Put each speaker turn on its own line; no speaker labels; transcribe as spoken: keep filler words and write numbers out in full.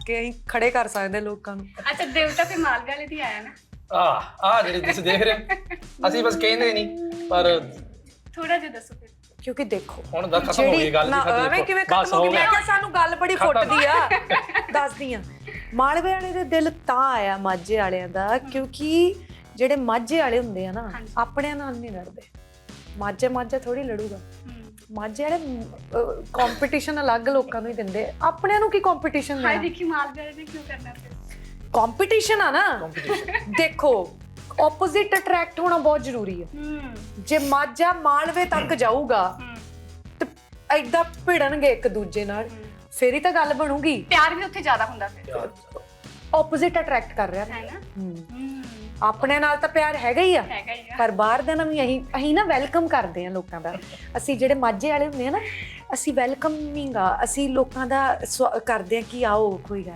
ਕੇ ਅਸੀਂ ਖੜੇ ਕਰ ਸਕਦੇ ਲੋਕਾਂ ਨੂੰ।
ਅੱਛਾ ਦੇਵਤਾ ਤੇ ਮਾਲਵੇ ਵਾਲੇ ਦੀ ਆਇਆ ਨਾ
ਆਹ ਆਹ ਜਿਹੜੀ ਤੁਸੀਂ ਦੇਖ ਰਹੇ ਹੋ ਅਸੀਂ ਬਸ ਕਹਿੰਦੇ ਨਹੀਂ ਪਰ
ਥੋੜਾ ਜਿਹਾ ਦੱਸੋ ਫਿਰ।
ਕਿਉਂਕਿ ਦੇਖੋ
ਹੁਣ ਤਾਂ ਖਤਮ ਹੋ ਗਈ ਗੱਲ
ਨਾ,
ਦੀ
ਐਵੇਂ ਕਿਵੇਂ
ਬਸ
ਖਤਮ ਹੋ
ਹੋ
ਗਈ? ਮੈਂ
ਗਿਆ
ਕਿਹਾ ਸਾਨੂੰ ਗੱਲ ਬੜੀ ਫੁੱਟਦੀ ਆ। ਦੱਸਦੀ ਆ ਮਾਲਵੇ ਵਾਲੇ ਦੇ ਦਿਲ ਤਾਂ ਆਇਆ ਮਾਝੇ ਵਾਲਿਆਂ ਦਾ ਕਿਉਂਕਿ ਜਿਹੜੇ ਮਾਝੇ ਵਾਲੇ ਹੁੰਦੇ ਆ ਨਾ ਆਪਣਿਆਂ ਨਾਲ ਨਹੀਂ ਲੜਦੇ। ਮਾਝੇ ਮਾਝਾ ਥੋੜੀ ਲੜੂਗਾ। ਮਾਝੇ ਵਾਲੇ ਕੰਪੀਟੀਸ਼ਨ ਅਲੱਗ ਲੋਕਾਂ ਨੂੰ ਹੀ ਦਿੰਦੇ, ਆਪਣਿਆਂ ਨੂੰ ਕੀ ਕੰਪੀਟੀਸ਼ਨ
ਹਾਏ
ਦੇਣਾ?
ਦੇਖੀ ਮਾਲਵੇ ਵਾਲੇ ਨੇ ਕਿਉਂ ਕਰਨਾ ਫਿਰ?
ਕੰਪੀਟੀਸ਼ਨ ਆ ਨਾ।
ਕੰਪੀਟੀਸ਼ਨ
ਦੇਖੋ ਆਪੋਜ਼ਿਟ ਅਟਰੈਕਟ ਹੋਣਾ ਬਹੁਤ ਜ਼ਰੂਰੀ ਹੈ।
ਹੂੰ
ਜੇ ਮਾਝਾ ਮਾਲਵੇ ਤੱਕ ਜਾਊਗਾ
ਹੂੰ
ਤੇ ਐਦਾਂ ਭਿੜਨਗੇ ਇੱਕ ਦੂਜੇ ਨਾਲ, ਫੇਰ ਹੀ ਤਾਂ ਗੱਲ ਬਣੂਗੀ।
ਪਿਆਰ ਵੀ ਉੱਥੇ ਜ਼ਿਆਦਾ ਹੁੰਦਾ ਫਿਰ
ਆਪੋਜ਼ਿਟ ਅਟਰੈਕਟ ਕਰ ਰਿਹਾ
ਹੈ ਨਾ।
ਹੂੰ
ਹੂੰ
ਆਪਣੇ ਨਾਲ ਤਾਂ ਪਿਆਰ ਹੈਗਾ ਹੀ ਆ,
ਹੈਗਾ ਹੀ ਆ।
ਪਰ ਬਾਹਰ ਦੇ ਨਾਲ ਵੀ ਅਸੀਂ ਅਸੀਂ ਨਾ ਵੈਲਕਮ ਕਰਦੇ ਆ ਲੋਕਾਂ ਦਾ। ਅਸੀਂ ਜਿਹੜੇ ਮਾਝੇ ਵਾਲੇ ਹੁੰਦੇ ਆ ਨਾ, ਅਸੀਂ ਵੈਲਕਮਿੰਗ ਆ, ਅਸੀਂ ਲੋਕਾਂ ਦਾ ਸਵਾ- ਕਰਦੇ ਆ ਕਿ ਆਓ ਕੋਈ ਗੱਲ